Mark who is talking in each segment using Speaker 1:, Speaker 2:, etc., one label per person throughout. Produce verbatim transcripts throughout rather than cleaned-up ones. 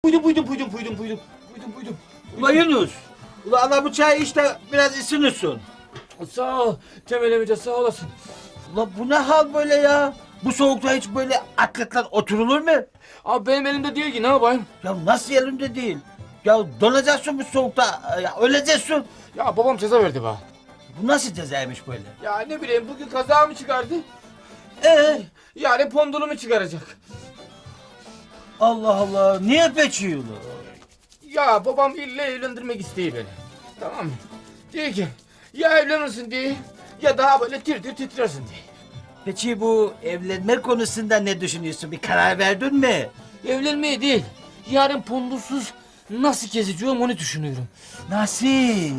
Speaker 1: Buydum buydum buydum buydum buydum. Buydum buydum.
Speaker 2: Ula Yunus. Ula ana bu çay işte biraz ısınırsın.
Speaker 1: Sağ ol Temel amca sağ olasın.
Speaker 2: Ula bu ne hal böyle ya? Bu soğukta hiç böyle atletler oturulur mu?
Speaker 1: Abi benim elimde değil ki ne yapayım?
Speaker 2: Ya nasıl elinde değil? Ya donacaksın bu soğukta, ya öleceksin.
Speaker 1: Ya babam ceza verdi bana.
Speaker 2: Bu nasıl cezaymış böyle?
Speaker 1: Ya ne bileyim bugün kaza mı çıkardı?
Speaker 2: Ee,
Speaker 1: Yani pondulumu çıkaracak.
Speaker 2: Allah Allah, niye peçiyor ula?
Speaker 1: Ya babam ille evlendirmek istiyor beni. Tamam mı? Diyor ki ya evlenirsin diye ya daha böyle tir tir titrersin diye.
Speaker 2: Peki bu evlenme konusunda ne düşünüyorsun? Bir karar verdin mi?
Speaker 1: Evlenmeye değil. Yarın pondusuz nasıl gezeceğim onu düşünüyorum.
Speaker 2: Nasıl?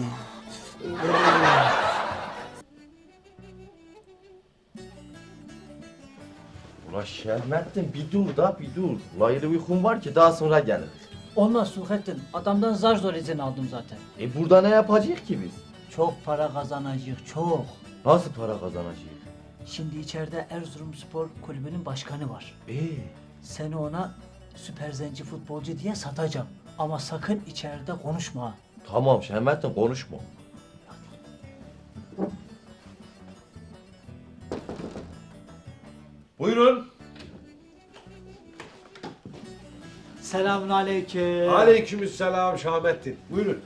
Speaker 3: Ula Şermettin bir dur da bir dur. Ula öyle uykum var ki daha sonra gelir.
Speaker 4: Olmaz Suhettin. Adamdan zar zor izin aldım zaten.
Speaker 3: E burada ne yapacak ki biz?
Speaker 4: Çok para kazanacak, çok.
Speaker 3: Nasıl para kazanacağız?
Speaker 4: Şimdi içeride Erzurumspor kulübünün başkanı var.
Speaker 3: Ee,
Speaker 4: Seni ona süper zenci futbolcu diye satacağım. Ama sakın içeride konuşma.
Speaker 3: tamam Şermettin konuşma. Buyurun.
Speaker 4: Selamun aleyküm.
Speaker 5: Aleykümselam Şahmettin. Buyurun.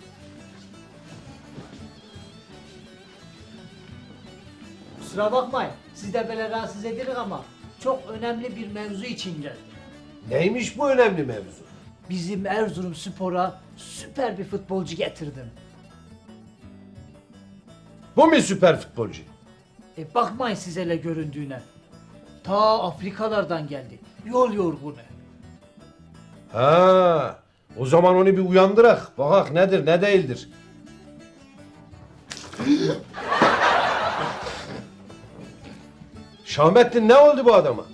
Speaker 4: Kusura bakmayın. Siz de böyle rahatsız edilir ama çok önemli bir mevzu için geldim.
Speaker 5: Neymiş bu önemli mevzu?
Speaker 4: Bizim Erzurumspor'a süper bir futbolcu getirdim.
Speaker 5: Bu mu süper futbolcu?
Speaker 4: E bakmayın siz hele göründüğüne. Ta Afrikalardan geldi. Yol yorgunu.
Speaker 5: Ha, o zaman onu bir uyandırak. Bakak nedir ne değildir. Şahmettin ne oldu bu adama?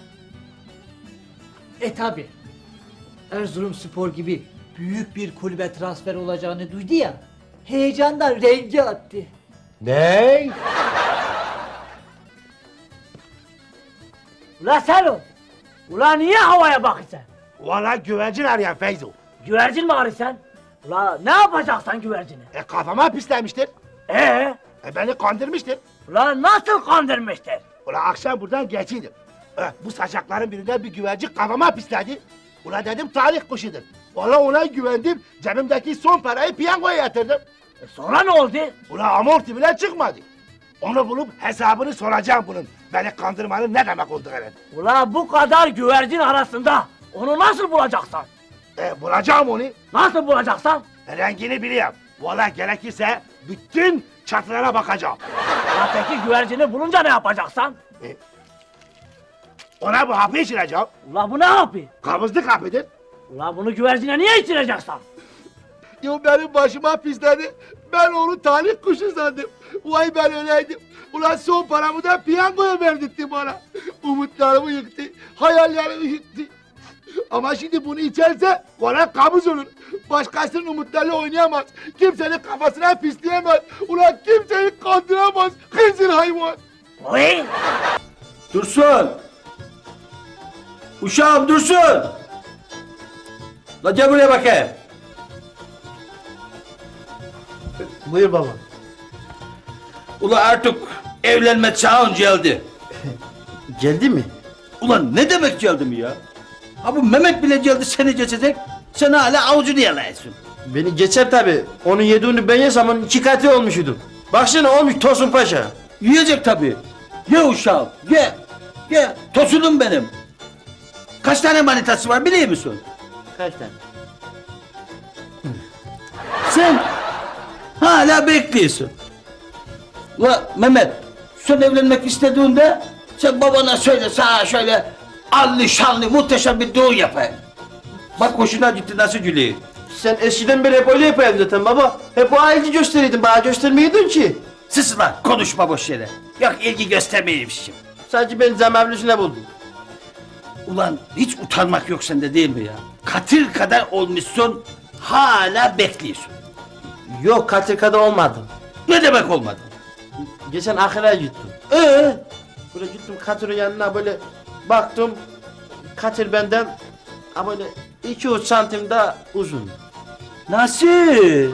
Speaker 4: E tabi. Erzurumspor gibi büyük bir kulübe transfer olacağını duydu ya. Heyecandan rengi attı.
Speaker 5: Ney?
Speaker 6: Ula sen o! Ula niye havaya bakıyorsun?
Speaker 7: Valla güvercin arayan Feyzo.
Speaker 6: Güvercin mi arıyorsun? Ula ne yapacaksan güvercini?
Speaker 7: E kafama pislemiştir.
Speaker 6: Ee?
Speaker 7: E beni kandırmıştır.
Speaker 6: Ula nasıl kandırmıştır?
Speaker 7: Ula akşam buradan geçiydim. E, bu saçakların birinde bir güvercin kafama pisledi. Ula dedim talih kuşudur. Valla ona güvendim. Cebimdeki son parayı piyangoya yatırdım.
Speaker 6: E sonra ne oldu?
Speaker 7: Ula amorti bile çıkmadı. Onu bulup hesabını soracağım bunun. Beni kandırmanın ne demek olduğunu.
Speaker 6: Ula bu kadar güvercin arasında onu nasıl bulacaksan?
Speaker 7: E bulacağım onu.
Speaker 6: Nasıl bulacaksan?
Speaker 7: E, rengini biliyorum. Valla gerekirse bütün çatılara bakacağım.
Speaker 6: Ula peki güvercini bulunca ne yapacaksan?
Speaker 7: Ona bu hapı içireceğim.
Speaker 6: Ula bu ne yapıyor?
Speaker 7: Kabızlık hapıdır.
Speaker 6: Ula bunu güvercine niye içireceksin?
Speaker 7: Ya benim başıma pisledi. Ben onu talih kuşu sandım. Vay ben öyleydim. Ulan son paramı da piyangoya verdirtti bana. Umutlarımı yıktı. Hayallerimi yıktı. Ama şimdi bunu içerse valla kabız olur. Başkasının umutlarıyla oynayamaz. Kimsenin kafasına pisleyemez. Ulan kimseyi kandıramaz. Hınzır hayvan.
Speaker 6: Oy!
Speaker 2: Dursun! Uşağım Dursun! La gel buraya bakayım.
Speaker 7: Buyur baba.
Speaker 2: Ula artık evlenme çağın geldi.
Speaker 8: Geldi mi?
Speaker 2: Ulan ne demek geldi mi ya? Ha bu Mehmet bile geldi seni geçecek. Sen hala avucunu yalayasın.
Speaker 8: Beni geçer tabi. Onun yediğini ben yesem onun iki katı olmuşydum. Baksana olmuş Tosun Paşa.
Speaker 2: Yiyecek tabii. Ye uşağım ye. Ye tosunum benim. Kaç tane manitası var biliyor musun?
Speaker 8: Kaç tane?
Speaker 2: Sen hala bekliyorsun. Ula Mehmet sen evlenmek istediğinde sen babana söyle sağa şöyle allı şanlı muhteşem bir düğün yapayım. Bak hoşuna gitti nasıl gülüyor.
Speaker 8: Sen eskiden beri hep öyle yapayım zaten baba. Hep o ilgi gösteriydin bana göstermiyordun ki.
Speaker 2: Sus lan konuşma boş yere. Yok ilgi göstermeymişim.
Speaker 8: Sadece ben zemavlusuna buldum.
Speaker 2: Ulan hiç utanmak yok sende değil mi ya? Katil kadar olmuşsun hala bekliyorsun.
Speaker 8: Yok katilkada olmadım.
Speaker 2: Ne demek olmadı?
Speaker 8: Geçen ahire gittim.
Speaker 2: Ee?
Speaker 8: Böyle gittim Katil'in yanına böyle baktım. Katil benden ha böyle iki üç santim daha uzun.
Speaker 2: Nasıl?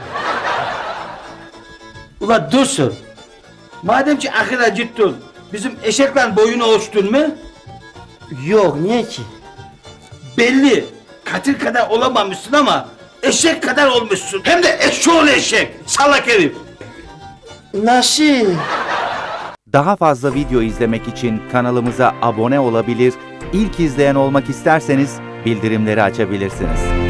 Speaker 2: Ula Dursun. Madem ki akıl acıttın, bizim eşekle boyunu ölçtün mü?
Speaker 8: Yok, niye ki?
Speaker 2: Belli. Katil kadar olamamışsın ama eşek kadar olmuşsun. Hem de eşşoğlu eşek. Salak herif.
Speaker 8: Nasıl?
Speaker 9: Daha fazla video izlemek için kanalımıza abone olabilir, ilk izleyen olmak isterseniz bildirimleri açabilirsiniz.